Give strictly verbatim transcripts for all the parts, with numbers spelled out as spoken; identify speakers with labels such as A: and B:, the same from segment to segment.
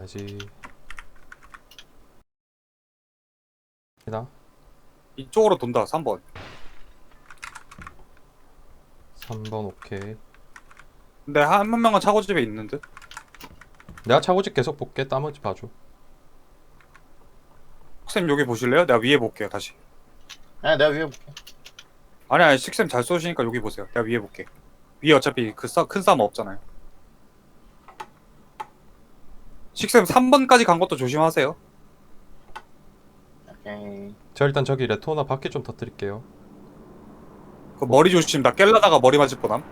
A: 가야지. 나
B: 이쪽으로 돈다. 삼 번.
A: 삼 번 오케이.
B: 근데 한, 한 명은 차고집에 있는 듯.
A: 내가 차고집 계속 볼게. 나머지 봐줘.
B: 식쌤 여기 보실래요? 내가 위에 볼게요. 다시.
C: 아, 내가 위에 볼게.
B: 아니 아니 식쌤 잘 쏘시니까 여기 보세요. 내가 위에 볼게. 위에 어차피 그 큰 싸움 없잖아요. 식쌤 삼 번까지 간 것도 조심하세요.
C: 오케이.
A: 저 일단 저기 레토나 밖에 좀 터뜨릴게요.
B: 그 머리 조심. 나 깰라다가 머리 맞을 뻔함.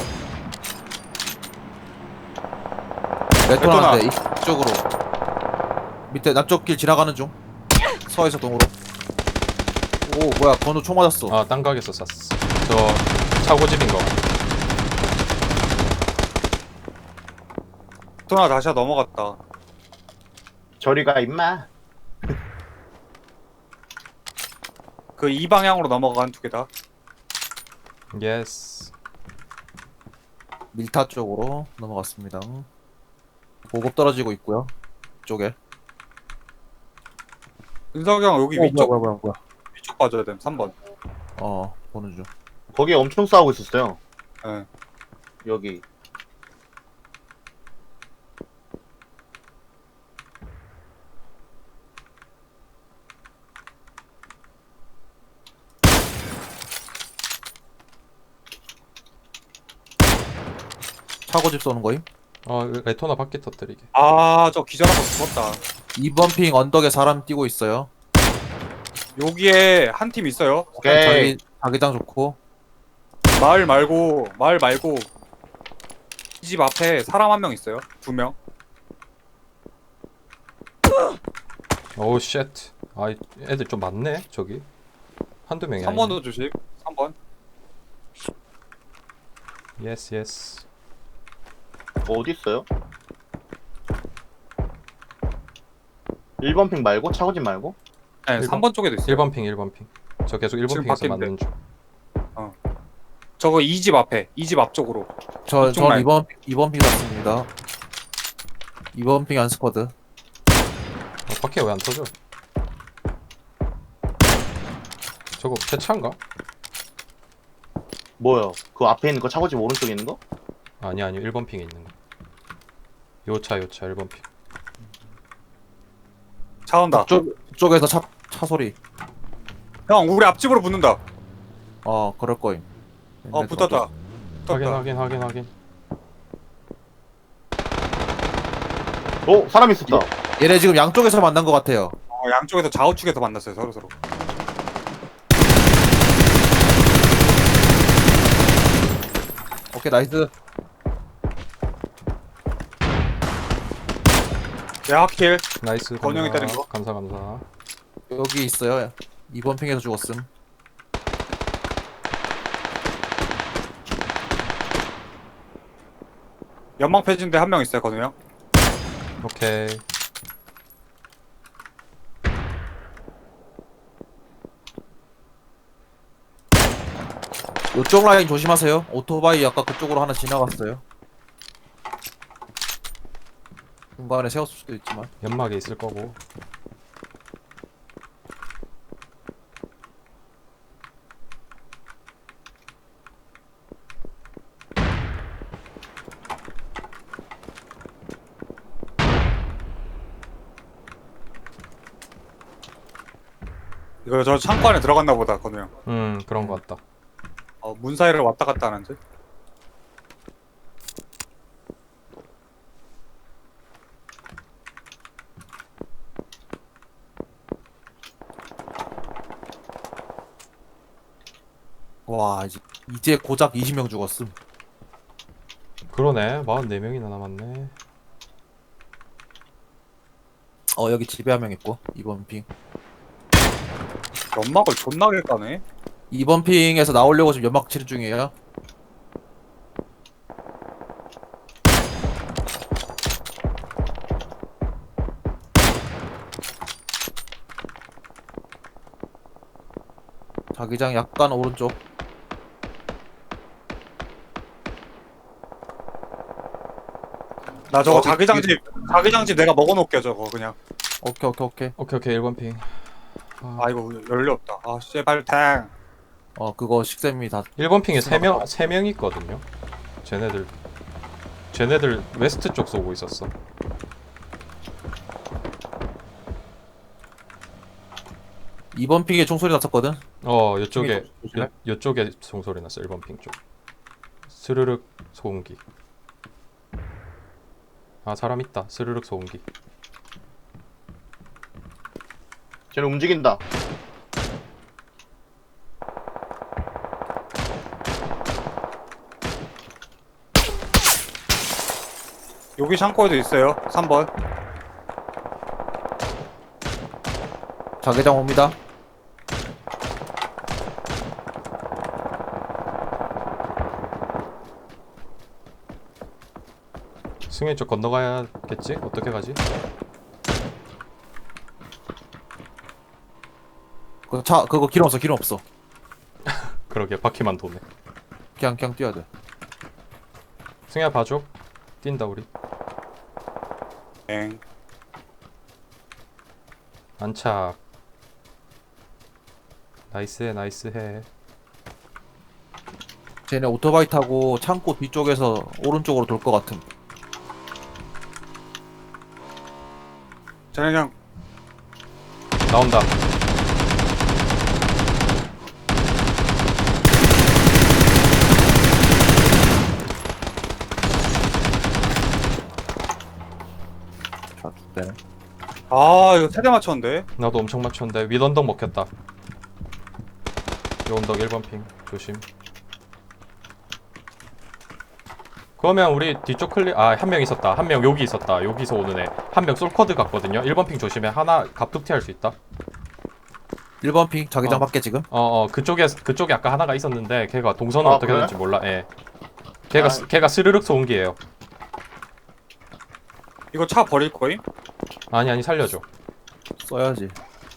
D: 레토나인데 이쪽으로 밑에 남쪽 길 지나가는 중. 서에서 동으로. 오 뭐야 건우 총 맞았어.
A: 아, 딴 가게에서 쐈어. 저 차고집인 거.
B: 또 하나 다시 넘어갔다.
C: 저리가 임마.
B: 그 이 방향으로 넘어간 두 개다.
A: 예스.
D: 밀타 쪽으로 넘어갔습니다. 보급 떨어지고 있고요. 쪽에.
B: 은석이 형 여기
D: 어,
B: 위쪽
D: 뭐야 뭐야 뭐야.
B: 위쪽 봐줘야 됨. 삼 번.
D: 어 보는 중.
C: 거기 엄청 싸우고 있었어요.
B: 예.
C: 여기.
D: 차고집 쏘는 거임.
A: 어, 레토나 밖에 터뜨리게.
B: 아, 저 기절하고 죽었다.
D: 이 번 핑 언덕에 사람 뛰고 있어요.
B: 여기에 한 팀 있어요.
C: 오케이.
D: 자기 자기장 좋고.
B: 마을 말고 마을 말고 이 집 앞에 사람 한 명 있어요. 두 명.
A: 오우 쉣. 아, 애들 좀 많네 저기. 한두 명이
B: 삼
A: 아니네.
B: 번도 조심. 삼 번.
A: 예스 예스.
C: 어디 있어요? 일 번 핑 말고 차고집 말고?
B: 네,
A: 일 번?
B: 삼 번 쪽에도 있어요.
A: 일 번 핑 일 번 핑. 저 계속 일 번
B: 지금
A: 핑에서
B: 바뀌는데.
A: 맞는 중.
B: 저거 이 집 앞에. 이 집 앞쪽으로.
D: 저
B: 이쪽
D: 전
B: 라인.
D: 이 번 이 번 핑 갔습니다. 이 번 핑 안스쿼드.
A: 어, 밖에 왜 안 터져? 저거 폐차인가?
C: 뭐요? 그 앞에 있는 거 차고집 오른쪽에 있는 거?
A: 아니 아니 일 번 핑에 있는 거. 요차 요차 일 번 핑.
B: 차 온다.
D: 쪽 쪽에서 차 차 소리.
B: 형, 우리 앞집으로 붙는다.
D: 어 그럴 거임.
B: 어, 붙었다.
A: 확인
B: 붙었다.
A: 확인 확인 확인.
C: 어? 사람 있었다.
D: 얘네 지금 양쪽에서 만난 것 같아요.
B: 어, 양쪽에서 좌우측에서 만났어요. 서로 서로.
D: 오케이 나이스.
B: 내 하킬.
A: 나이스.
B: 건영이
A: 감사.
B: 때린 거?
A: 감사 감사.
D: 여기 있어요. 이 번 핑에서 죽었음.
B: 연막 폐진대 한 명 있어요. 건우 형.
A: 오케이.
D: 요쪽 라인 조심하세요. 오토바이 아까 그쪽으로 하나 지나갔어요. 중간에 세웠을 수도 있지만.
A: 연막에 있을 거고.
B: 이거 저 창고 안에 들어갔나 보다. 건우 형.
A: 음 그런 거 같다.
B: 어, 문 사이를 왔다 갔다 하는데.
D: 와 이제 이제 고작 이십 명 죽었음.
A: 그러네. 사십사 명이나 남았네.
D: 어 여기 집에 한 명 있고 이 번 핑.
B: 연막을 존나게 까네.
D: 이 번 핑에서 나오려고 지금 연막 치료 중이에요. 자기장 약간 오른쪽.
B: 나 저거
D: 어,
B: 자기장집 자기장집 내가 먹어놓을게 저거 그냥.
D: 오케이 오케이 오케이.
A: 오케이 오케이 일 번 핑. 아,
B: 아 이거 연료 없다. 아 씨발 탱.
D: 어 그거 식쌤이 다
A: 일 번 핑에 세 명 세 명 있거든요. 쟤네들 쟤네들 웨스트 쪽 쏘고 있었어.
D: 이 번 픽에 총소리 났었거든.
A: 어, 이쪽에
D: 조심해.
A: 요, 요쪽에 총소리 났어. 일 번 핑 쪽. 스르륵 소음기. 아, 사람 있다. 스르륵 소음기.
C: 쟤는 움직인다.
B: 여기 창고에도 있어요. 삼 번.
D: 자개장 옵니다.
A: 승현 쪽 건너가야겠지? 어떻게 가지?
D: 그 차 그거 기름 없어 기름 없어.
A: 그러게 바퀴만 도네.
D: 그냥 그냥 뛰어야 돼.
A: 승현 봐줘. 뛴다 우리.
B: 땡.
A: 안착. 나이스해 나이스해.
D: 쟤네 오토바이 타고 창고 뒤쪽에서 오른쪽으로 돌 것 같음.
B: 쟤네 그냥
A: 나온다.
D: 자, 네.
B: 아 이거 세대 맞췄는데.
A: 나도 엄청 맞췄는데 윗 언덕 먹혔다. 이 언덕 일 번 핑 조심. 그러면 우리 뒤쪽 클리 아 한 명 있었다. 한 명 여기 있었다. 여기서 오는 애. 한 명 솔커드 갔거든요. 일 번 핑 조심해. 하나 갑툭튀 할 수 있다.
D: 일 번 픽 자개장
A: 어.
D: 밖에 지금.
A: 어어 그쪽에 그쪽에 아까 하나가 있었는데 걔가 동선을
C: 아,
A: 어떻게
C: 그래?
A: 하는지 몰라. 예. 걔가
C: 아.
A: 스- 걔가 스르륵 소음기예요.
B: 이거 차 버릴 거임?
A: 아니 아니 살려줘.
D: 써야지.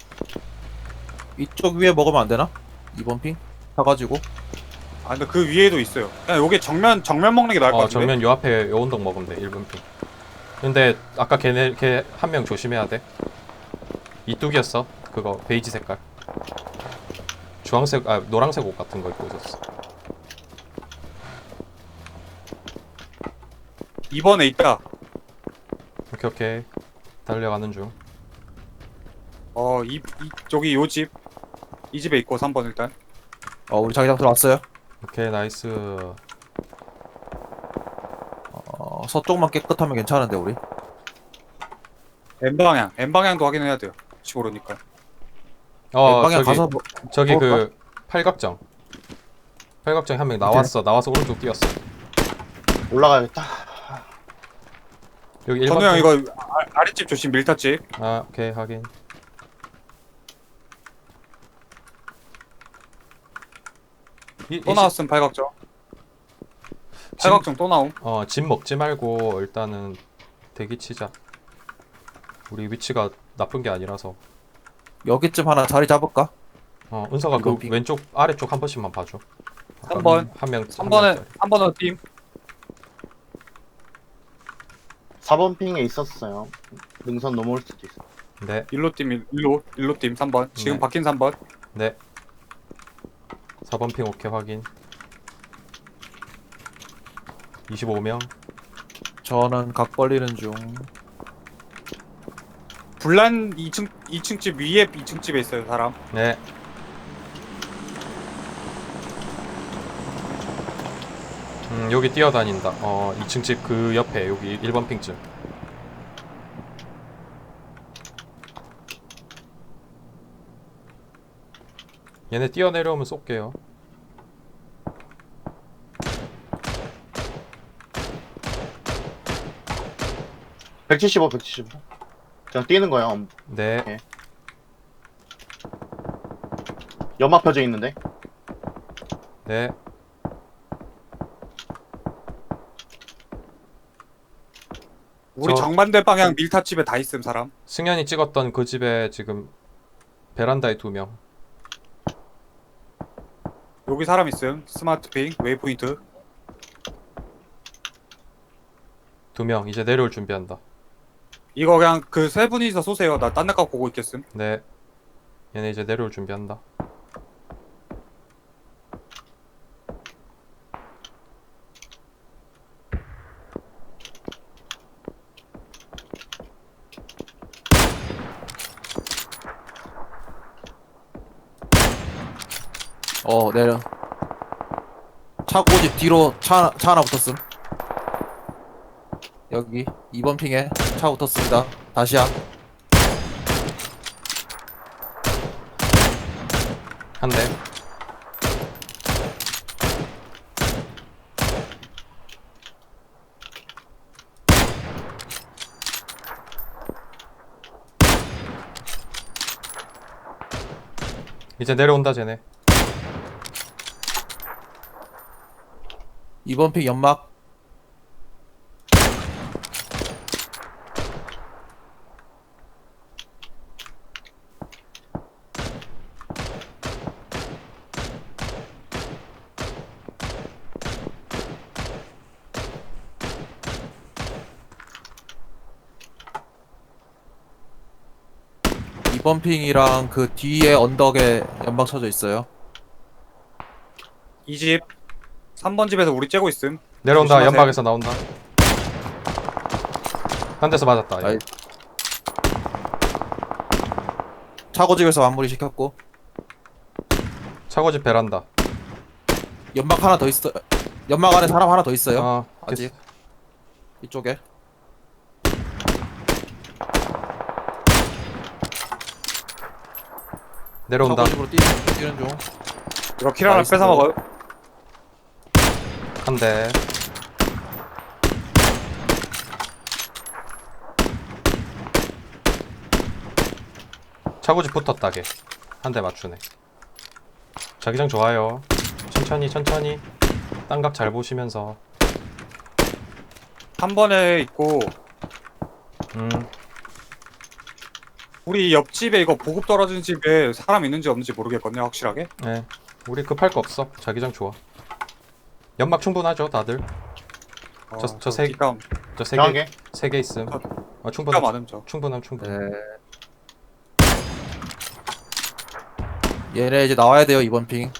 D: 이쪽 위에 먹으면 안 되나? 이 번 핑 사가지고.
B: 아 근데 그 위에도 있어요. 그냥 요게 정면 정면 먹는 게 나을 것
A: 어
B: 같은데.
A: 정면 요 앞에 요 언덕 먹으면 돼. 일 번 핑. 근데 아까 걔네 걔 한 명 조심해야 돼. 이뚝이었어. 그거 베이지 색깔. 주황색 아 노란색 옷 같은 거 입고 있었어.
B: 이 번에 있다.
A: 오케이 오케이. 달려가는 중.
B: 어, 이, 이 저기 요 집. 이 집에 있고 삼 번 일단.
D: 어 우리 자개장 들어왔어요.
A: 오케이 나이스.
D: 어 서쪽만 깨끗하면 괜찮은데 우리.
B: N 방향. N 방향도 확인해야 돼요. 혹시 모르니까.
A: 어
D: 방향
A: 저기
D: 가서 뭐-
A: 저기
D: 볼까?
A: 그 팔각정. 팔각정 한 명 나왔어. 나와서 오른쪽 뛰었어.
C: 올라가야겠다.
A: 여기 일
B: 전우
A: 번
B: 형
A: 핑.
B: 이거 아, 아랫집 조심 밀타집.
A: 아 오케이 확인. 이,
B: 또
A: 이
B: 나왔음 팔각정. 팔각정 또 나옴.
A: 어, 집 먹지 말고 일단은 대기 치자. 우리 위치가 나쁜 게 아니라서.
D: 여기쯤 하나 자리 잡을까?
A: 어, 은서가 그
D: 이번 핑.
A: 왼쪽 아래쪽 한 번씩만 봐줘.
B: 삼 번.
A: 한 명.
B: 삼 번에 삼 번은 팀.
C: 사 번 핑에 있었어요. 능선 넘어올 수도 있어.
A: 네,
B: 일로 팀 일- 일로 일로 팀 삼 번. 지금
A: 네.
B: 바뀐 삼 번.
A: 네. 사 번 핑 오케이 확인. 이십오 명.
D: 저는 각 벌리는 중.
B: 불난 이 층 이 층 집 위에 이 층 집에 있어요 사람.
A: 네. 음, 여기 뛰어다닌다. 어, 이 층 집 그 옆에 여기 일 번 핑쯤. 얘네 뛰어내려오면 쏠게요.
C: 백칠십오, 백칠십오. 그냥 뛰는 거야. 엄-
A: 네.
C: 연막 펴져 있는데.
A: 네.
B: 우리
A: 저-
B: 정반대 방향 밀타집에 다 있음 사람.
A: 승현이 찍었던 그 집에 지금 베란다에 두 명.
B: 여기 사람 있음. 스마트 핑 웨이포인트.
A: 두 두 명 이제 내려올 준비한다.
B: 이거 그냥 그 세 분이서 쏘세요. 나 딴 데 가 보고 있겠음.
A: 네. 얘네 이제 내려올 준비한다.
D: 어 내려. 차고집 뒤로 차, 차 하나 붙었음. 여기 이 번 핑에 차 붙었습니다. 다시야.
A: 한 대. 이제 내려온다 쟤네.
D: 이 번 핑 연막. 이 번 핑이랑 그 뒤에 언덕에 연막 쳐져 있어요.
B: 이 집 삼 번 집에서 우리 째고 있음.
A: 내려온다.
B: 조심하세요.
A: 연막에서 나온다. 한 대서 맞았다.
D: 아이. 차고집에서 마무리 시켰고
A: 차고집 베란다.
D: 연막 하나 더 있어. 연막 안에 사람 하나 더 있어요.
A: 아,
D: 아직 이쪽에.
A: 내려온다.
D: 차고집으로 뛰는, 뛰는 중.
B: 이거 킬 하나
D: 나이스.
B: 뺏어 먹어요.
A: 한 대. 차고집 붙었다 걔. 한 대 맞추네. 자기장 좋아요. 천천히 천천히. 땅각 잘 보시면서.
B: 한 번에 있고
A: 음.
B: 우리 옆집에 이거 보급 떨어진 집에 사람 있는지 없는지 모르겠거든요. 확실하게.
A: 네. 우리 급할 거 없어. 자기장 좋아. 연막 충분하죠 다들.
B: 어,
A: 저- 저 세-
B: 기가
A: 저 세
C: 정하게.
A: 개 세 개 있음. 아
B: 기가
A: 충분함.
B: 많음 저.
A: 충분함 충분.
D: 네. 얘네 이제 나와야 돼요. 이번 핑.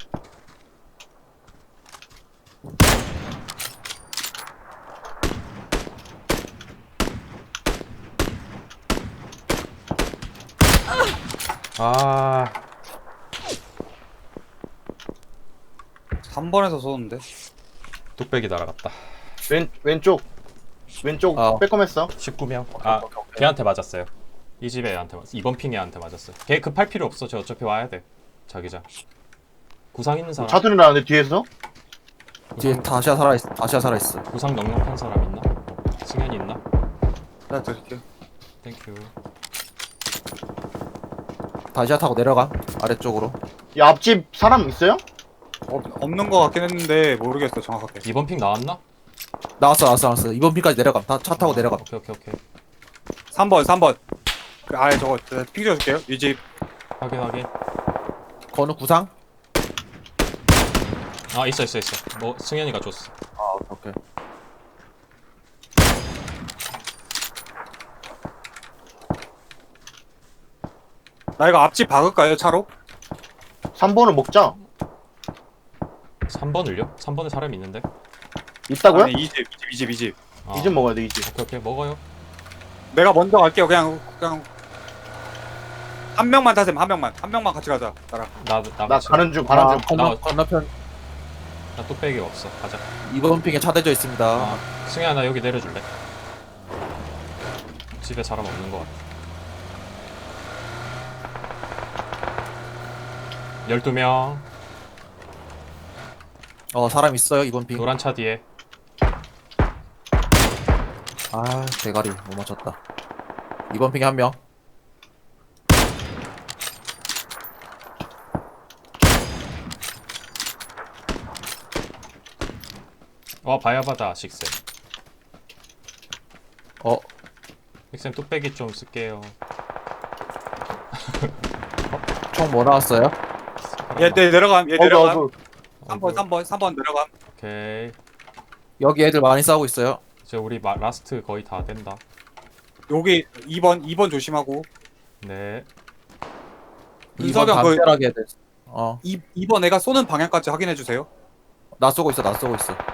A: 아
B: 삼 번에서 쏘는데.
A: 뚝배기 날아갔다.
C: 왼 왼쪽 왼쪽
D: 아.
C: 빼꼼했어.
A: 십구 명. 아 걔한테 맞았어요. 이 집에 애한테 맞았어. 이번 핑 애한테 맞았어요. 걔 급할 필요 없어. 저 어차피 와야 돼. 자기장. 구상 있는 사람.
C: 차들이 나는데 뒤에서
D: 뒤에 다시야 살아 있어. 다시야 살아 있어.
A: 구상 넉넉한 사람 있나? 승현이 있나?
B: 나 드릴게요.
A: 땡큐.
D: 다시야 타고 내려가. 아래쪽으로.
C: 이 앞집 사람 있어요?
B: 없, 없는 거 같긴 했는데 모르겠어 정확하게.
A: 이번 핑 나왔나?
D: 나왔어, 나왔어, 나왔어. 이번 핑까지 내려가. 다 차 타고 내려가.
A: 오케이 오케이 오케이.
B: 삼 번 삼 번. 그 아예 저거 저 핑 줘줄게요. 이 집.
A: 확인 확인.
D: 건우 구상?
A: 아 있어 있어 있어. 뭐 승현이가 줬어.
D: 아, 오케이. 오케이.
B: 나 이거 앞집 박을까요 차로?
C: 삼 번을 먹자.
A: 삼 번을요? 삼 번에 사람이 있는데.
C: 있다고요?
B: 아니 이집 이 집 이 집.
A: 아,
C: 이 집 먹어야 돼, 이 집.
A: 오케이 오케이 먹어요.
B: 내가 먼저 갈게요. 그냥 그냥 한 명만 타셈 한 명만 한 명만 같이 가자 나랑.
A: 나나
C: 나
A: 같이.
C: 가는 중, 가는
D: 아,
C: 중.
D: 건너,
A: 나-
D: 건너편
A: 나 뚝배기가 없어. 가자.
D: 이번 핑에 차 대져 있습니다.
A: 아, 승현아 나 여기 내려줄래? 집에 사람 없는 것 같아. 열두 명.
D: 어, 사람 있어요. 이번 핑.
A: 노란 차 뒤에.
D: 아, 대가리 못 맞췄다. 이번 핑에 한 명.
A: 어 바야바다 식쌤.
D: 어,
A: 식쌤 뚝배기 좀 쓸게요.
D: 총 뭐 나왔어요?
B: 얘 내, 내려감 얘
C: 어그,
B: 내려감.
C: 어그.
B: 삼 번 삼 번 삼 번 내려감.
A: 오케이.
D: 여기 애들 많이 싸우고 있어요.
A: 이제 우리 마, 라스트 거의 다 된다.
B: 여기 이 번 이 번 조심하고.
A: 네.
B: 윤석이 형, 그-
D: 담벼락에 대해. 어,
B: 이 2번 애가 쏘는 방향까지 확인해 주세요.
D: 나 쏘고 있어, 나 쏘고 있어.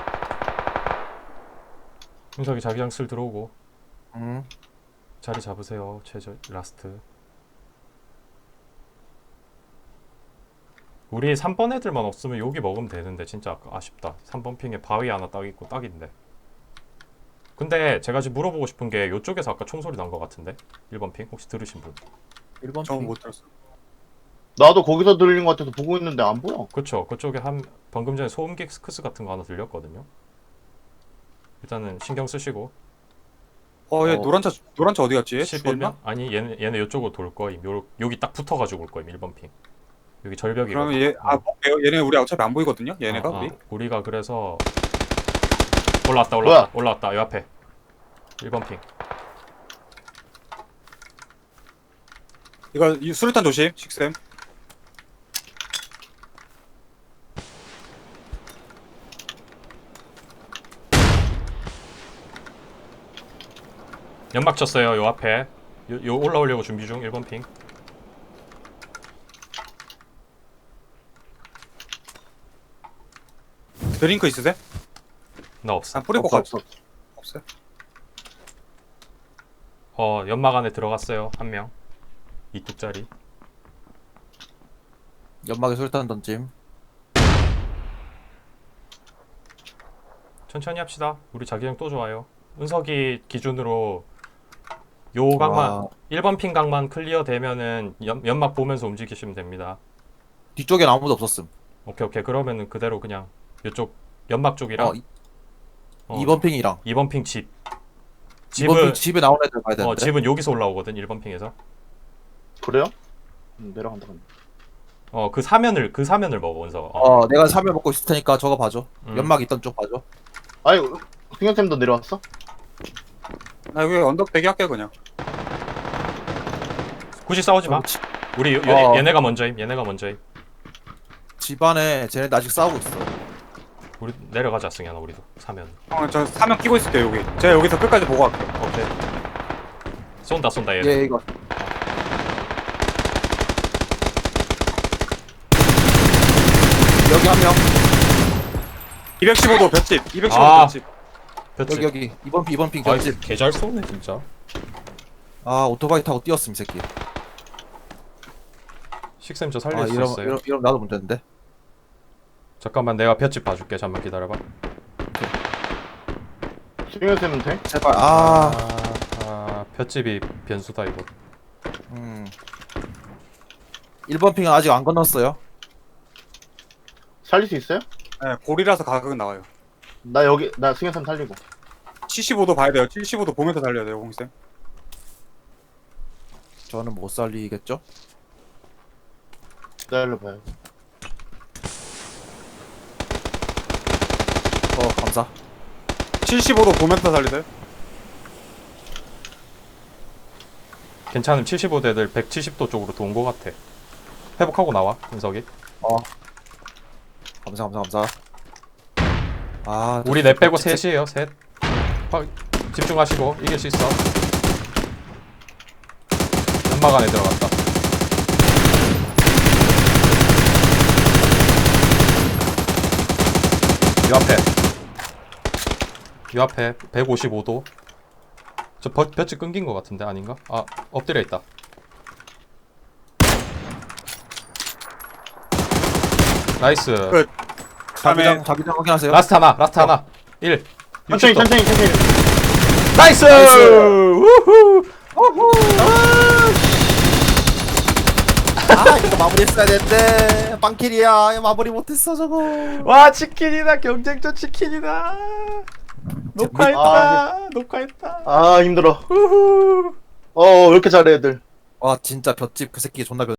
A: 윤석이 자기장 슬 들어오고
D: 음,
A: 자리 잡으세요. 최저 라스트. 우리 삼 번 애들만 없으면 여기 먹으면 되는데 진짜 아까 아쉽다. 삼 번 핑에 바위 하나 딱 있고 딱인데. 근데 제가 지금 물어보고 싶은 게 요쪽에서 아까 총소리 난 것 같은데. 일 번 핑 혹시 들으신 분?
D: 일 번
B: 저는
D: 핑.
B: 못 들었어.
C: 나도 거기서 들린 것 같아서 보고 있는데 안 보여.
A: 그쵸. 그쪽에 한 방금 전에 소음기 스크스 같은 거 하나 들렸거든요. 일단은 신경 쓰시고.
B: 어, 얘
D: 어.
B: 노란 차 노란 차 어디 갔지?
A: 십일 명?
B: 죽었나?
A: 아니 얘네 얘네 요쪽으로 돌 거임. 요, 여기 딱 붙어가지고 올 거임. 일 번 핑. 여기 절벽이거든.
B: 그러면 얘 아, 볼게요. 얘네 우리 어차피 안 보이거든요. 얘네가
A: 어, 어.
B: 우리.
A: 우리가 그래서 올라왔다 올라왔다 올라왔다 요 앞에 일 번 핑.
B: 이거 이 수류탄 조심. 식쌤.
A: 연막 쳤어요 요 앞에. 요, 요 올라오려고 준비 중. 일 번 핑.
B: 드링크 있으세요?
A: 나 없어.
B: 아, 뿌리고
C: 없어,
B: 가.
C: 없어.
B: 없어요?
A: 어 연막 안에 들어갔어요 한 명. 이뚝짜리.
D: 연막에 술탄 던짐.
A: 천천히 합시다. 우리 자기장 또 좋아요. 은석이 기준으로 요 각만
D: 와.
A: 일 번 핑 각만 클리어 되면은 연, 연막 보면서 움직이시면 됩니다.
D: 뒤쪽엔 아무도 없었음.
A: 오케이 오케이. 그러면은 그대로 그냥 요쪽 연막 쪽이랑
D: 어, 이-
A: 어,
D: 이 번 핑이랑.
A: 이 번 핑 집.
D: 이 번
A: 집은
D: 핑 집에 나온 애들 가야 되는데.
A: 어 집은 여기서 올라오거든. 일 번 핑에서.
C: 그래요? 음, 내려간다. 그럼.
A: 어 그 사면을 그 사면을 먹어 은석. 어.
D: 어, 내가 사면 먹고 있을 테니까 저거 봐줘.
A: 음.
D: 연막 있던 쪽 봐줘.
C: 아니, 승현쌤도 내려왔어?
B: 나 여기 언덕 대기 할게 그냥.
A: 굳이 싸우지 마.
D: 집,
A: 우리 요,
D: 어.
A: 얘네가 먼저임. 얘네가 먼저임.
D: 집안에 쟤네들 아직 싸우고 있어.
A: 우리 내려가자 승현아 우리도 사면.
B: 형, 저 사명 끼고 있을게요 여기. 제가 여기서 끝까지 보고 갈게요.
A: 오케이. 쏜다 쏜다 얘.
D: 얘 이거. 여기 한 명.
B: 이백십오 도 볏집. 이백십오 도
A: 아.
B: 볏집.
A: 볕집.
D: 여기 여기 이 번 핑 이 번 핑
A: 아,
D: 겹집.
A: 개잘 쏘네 진짜.
D: 아, 오토바이 타고 뛰었음 이 새끼.
A: 식쌤 저 살릴
D: 아,
A: 수
D: 이러면,
A: 있어요.
D: 이러면 이러면 나도 문제인데.
A: 잠깐만 내가 볕집 봐줄게. 잠만 기다려봐.
C: 승현쌤은 돼?
D: 제발. 아,
A: 아 볕집이 변수다 이거.
D: 음. 일 번 핑은 아직 안 건넜어요.
C: 살릴 수 있어요?
B: 네, 골이라서 가격은 나와요.
C: 나 여기, 나 승현쌤 살리고.
B: 칠십오 도 봐야 돼요. 칠십오 도 보면서 달려야 돼요, 홍쌤.
D: 저는 못 살리겠죠?
C: 기다려봐요.
D: 어, 감사.
B: 칠십오 도 보면서 달리세요.
A: 괜찮음. 칠십오 대들 백칠십 도 쪽으로 도온 거 같아. 회복하고 나와 은석이.
D: 어. 감사, 감사, 감사. 아,
A: 우리 넷 빼고 셋이에요. 셋. 화, 집중하시고 이길 수 있어. 연막 안에 들어갔다. 요 앞에. 요 앞에 백오십오 도. 저 볕, 볕이 끊긴 거 같은데 아닌가? 아 엎드려 있다. 나이스.
B: 끝.
D: 자기장, 자기장 확인하세요.
A: 라스트 하나. 라스트 하나. 일.
C: 천천히,
A: 육십 도.
C: 천천히, 천천히.
A: 나이스!
D: 나이스!
A: 우후!
D: 아, 이거 마무리했어야 됐는데. 빵킬이야. 이거 마무리 못했어, 저거.
A: 와 치킨이다. 경쟁전 치킨이다. 녹화했다. 녹화했다.
C: 아, 힘들어.
A: 우후.
C: 어, 왜 이렇게 잘해, 애들.
D: 와, 진짜 볏집 그 새끼 존나